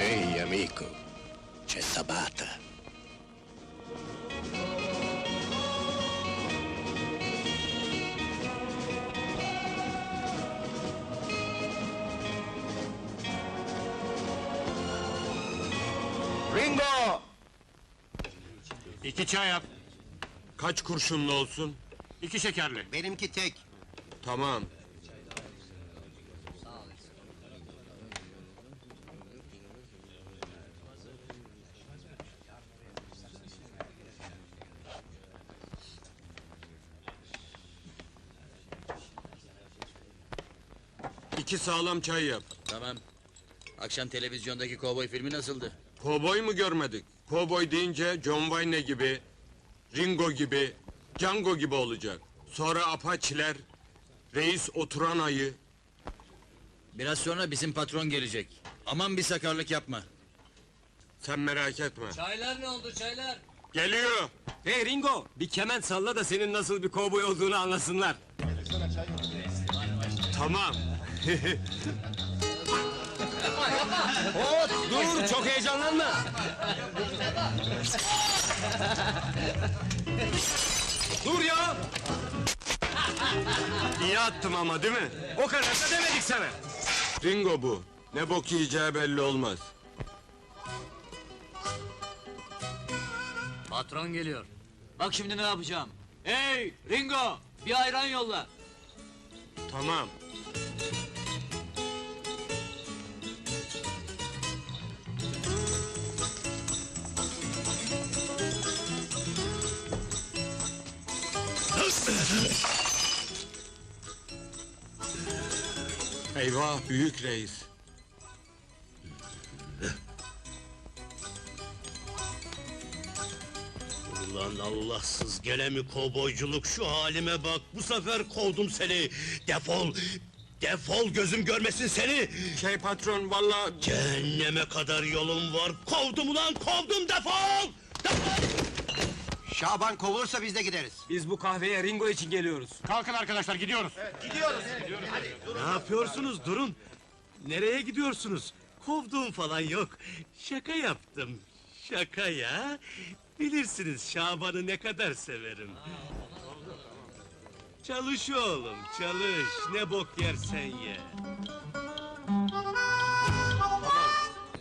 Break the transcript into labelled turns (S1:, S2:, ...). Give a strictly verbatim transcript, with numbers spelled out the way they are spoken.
S1: Ehi, amico, c'è Sabata.
S2: Ringo!
S3: İki çay yap.
S4: Kaç kurşunlu olsun?
S3: İki şekerli.
S2: Benimki tek.
S4: Tamam. İki sağlam çay yap.
S5: Tamam. Akşam televizyondaki kovboy filmi nasıldı?
S4: Kovboy mu görmedik? Kovboy deyince John Wayne gibi, Ringo gibi, Django gibi olacak. Sonra Apache'ler, reis oturan ayı.
S5: Biraz sonra bizim patron gelecek. Aman bir sakarlık yapma.
S4: Sen merak etme.
S5: Çaylar ne oldu çaylar?
S4: Geliyor.
S6: Hey Ringo, bir kemen salla da senin nasıl bir kovboy olduğunu anlasınlar.
S4: Tamam.
S6: Hop, dur, çok heyecanlanma. Dur ya,
S4: İyi attım ama değil mi?
S6: o kadar da demedik sana.
S4: Ringo bu. Ne bok yiyeceği belli olmaz.
S5: Patron geliyor. Bak şimdi ne yapacağım. Hey Ringo, bir ayran yolla.
S4: Tamam. Eyvah, büyük reis.
S1: Ulan Allahsız gene mi kovboyculuk, şu halime bak, bu sefer kovdum seni! Defol! Defol, gözüm görmesin seni!
S4: Şey patron, vallahi
S1: Cehenneme kadar yolum var, kovdum ulan, kovdum, defol! Defol!
S2: Şaban kovulursa biz de gideriz.
S6: Biz bu kahveye Ringo için geliyoruz.
S3: Kalkın arkadaşlar gidiyoruz.
S1: Ne yapıyorsunuz, durun! Nereye gidiyorsunuz? Kovduğum falan yok, şaka yaptım, şaka ya! Bilirsiniz Şaban'ı ne kadar severim. Çalış oğlum, çalış, ne bok yersen ye!